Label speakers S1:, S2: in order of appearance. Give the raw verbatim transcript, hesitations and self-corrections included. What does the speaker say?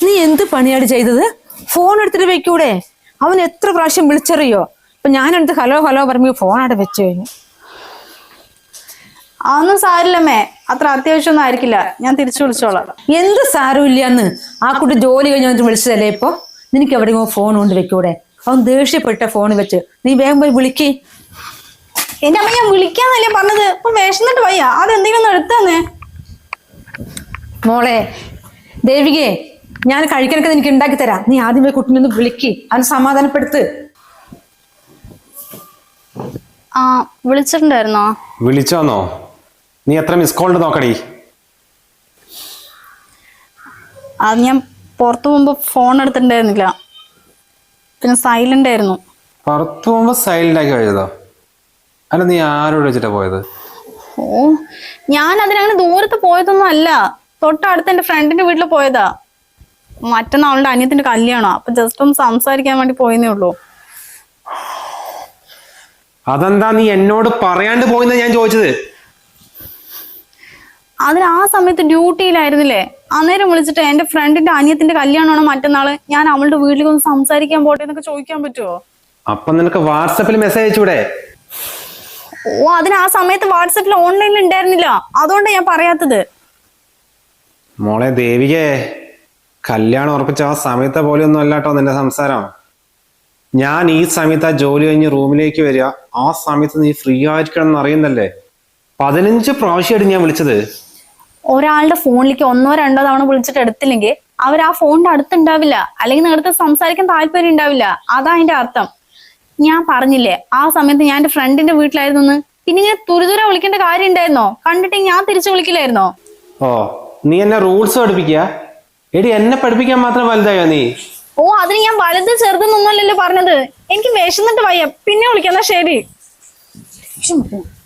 S1: നീ എന്ത് പണിയാണ് ചെയ്തത്? ഫോൺ എടുത്തിട്ട് വെക്കൂടെ? അവൻ എത്ര പ്രാവശ്യം വിളിച്ചറിയോ? അപ്പൊ ഞാനെടുത്ത് ഹലോ ഹലോ പറഞ്ഞു ഫോൺ അവിടെ വെച്ചു കഴിഞ്ഞു.
S2: അതൊന്നും സാരില്ലമ്മേ, അത്ര അത്യാവശ്യമൊന്നും ആയിരിക്കില്ല, ഞാൻ തിരിച്ചു വിളിച്ചോളാം.
S1: എന്ത് സാരമില്ലാന്ന്? ആ കുട്ടി ജോലി കഴിഞ്ഞ് വന്നിട്ട് വിളിച്ചതല്ലേ ഇപ്പൊ? നിനക്ക് എവിടെയോ ഫോൺ കൊണ്ട് വെക്കൂടെ? അവൻ ദേഷ്യപ്പെട്ട ഫോൺ വെച്ച് നീ വേഗം പോയി വിളിക്ക്.
S2: എന്റെ അമ്മ ഞാൻ വിളിക്കാന്നല്ലേ പറഞ്ഞത്, ഇപ്പൊ വിശന്നിട്ട് വയ്യ, അതെന്തെങ്കിലും ഒന്ന് എടുത്തന്നെ.
S1: മോളെ ദേവികയെ, ഞാൻ കഴിക്കാനൊക്കെ നിനക്ക് ഉണ്ടാക്കി തരാം. നീ ആദ്യം പോയി കുട്ടീനെ ഒന്ന് വിളിക്ക്, അവന് സമാധാനപ്പെടുത്ത്.
S2: ആ വിളിച്ചിട്ടുണ്ടായിരുന്നോ?
S3: വിളിച്ചോന്നോ? നീ എത്ര മിസ് കോൾ ഉണ്ട് നോക്കടി.
S2: അത് ഞാൻ പുറത്തു പോകുമ്പോ ഫോൺ എടുത്തിട്ടുണ്ടായിരുന്നില്ല, പിന്നെ സൈലന്റ് ആയിരുന്നു.
S3: പുറത്തു പോകുമ്പോ സൈലന്റ് ആക്കി കഴിയതോ? അല്ല നീ ആരോട് വെച്ചിട്ടാ പോയത്?
S2: ഓ ഞാൻ അതിനങ്ങനെ ദൂരത്ത് പോയതൊന്നും അല്ല, തൊട്ടടുത്ത് എന്റെ ഫ്രണ്ടിന്റെ വീട്ടിൽ പോയതാ. മറ്റന്നാൾ അവളുടെ അനിയത്തിന്റെ കല്യാണോ, അപ്പൊ ജസ്റ്റ് ഒന്ന് സംസാരിക്കാൻ വേണ്ടി പോയെന്നേ ഉള്ളൂ.
S3: അതെന്താ നീ എന്നോട് പറയാണ്ട് പോയെന്നാ ഞാൻ ചോദിച്ചത്.
S2: അതിന് ആ സമയത്ത് ഡ്യൂട്ടിയിലായിരുന്നില്ലേ, അന്നേരം വിളിച്ചിട്ട് എന്റെ ഫ്രണ്ടിന്റെ അനിയത്തിന്റെ കല്യാണമാണോ മറ്റന്നാള്, ഞാൻ അവളുടെ വീട്ടിലേക്ക് ഒന്ന് സംസാരിക്കാൻ പോട്ടെ എന്നൊക്കെ ചോദിക്കാൻ പറ്റുമോ?
S3: അപ്പൊ നിനക്ക് വാട്സപ്പിൽ മെസ്സേജ് അയച്ചൂടെ?
S2: ഓ അതിന് ആ സമയത്ത് വാട്സപ്പിൽ ഓൺലൈനിൽ ഉണ്ടായിരുന്നില്ല, അതുകൊണ്ടാണ് ഞാൻ പറയാത്തത്.
S3: മോളെ ദേവികേ, കല്യാണം ഉറപ്പിച്ച ആ സമയത്തെ പോലെയൊന്നും അല്ലാട്ടോ നിന്റെ സംസാരം. ഞാൻ ഈ സമയത്ത് ആ ജോലി കഴിഞ്ഞ് റൂമിലേക്ക് വരിക, ആ സമയത്ത് നീ ഫ്രീ ആയിരിക്കണം എന്ന് അറിയുന്നല്ലേ. പതിനഞ്ച് പ്രാവശ്യമായിട്ട് ഞാൻ വിളിച്ചത്.
S2: ഒരാളുടെ ഫോണിലേക്ക് ഒന്നോ രണ്ടോ തവണ വിളിച്ചിട്ട് എടുത്തില്ലെങ്കിൽ അവർ ആ ഫോണിന്റെ അടുത്തുണ്ടാവില്ല, അല്ലെങ്കിൽ നിങ്ങളുടെ സംസാരിക്കാൻ താല്പര്യം ഉണ്ടാവില്ല, അതാ അതിന്റെ അർത്ഥം. ഞാൻ പറഞ്ഞില്ലേ ആ സമയത്ത് ഞാൻ എന്റെ ഫ്രണ്ടിന്റെ വീട്ടിലായിരുന്നു. പിന്നെ ഇങ്ങനെ തുരിതുര വിളിക്കേണ്ട കാര്യം ഉണ്ടായിരുന്നോ? കണ്ടിട്ട് ഞാൻ തിരിച്ചു വിളിക്കില്ലായിരുന്നോ?
S3: ഓ നീ എന്നെ റൂൾസ് പഠിപ്പിക്കുക? എടി എന്നെ പഠിപ്പിക്കാൻ മാത്രം വലുതായോ നീ?
S2: ഓ അതിന് ഞാൻ വലുത് ചെറുതെന്നൊന്നുമല്ലല്ലോ പറഞ്ഞത്. എനിക്ക് വിശന്നിട്ട് വയ്യ, പിന്നെ വിളിക്കാം. എന്നാ ശരി.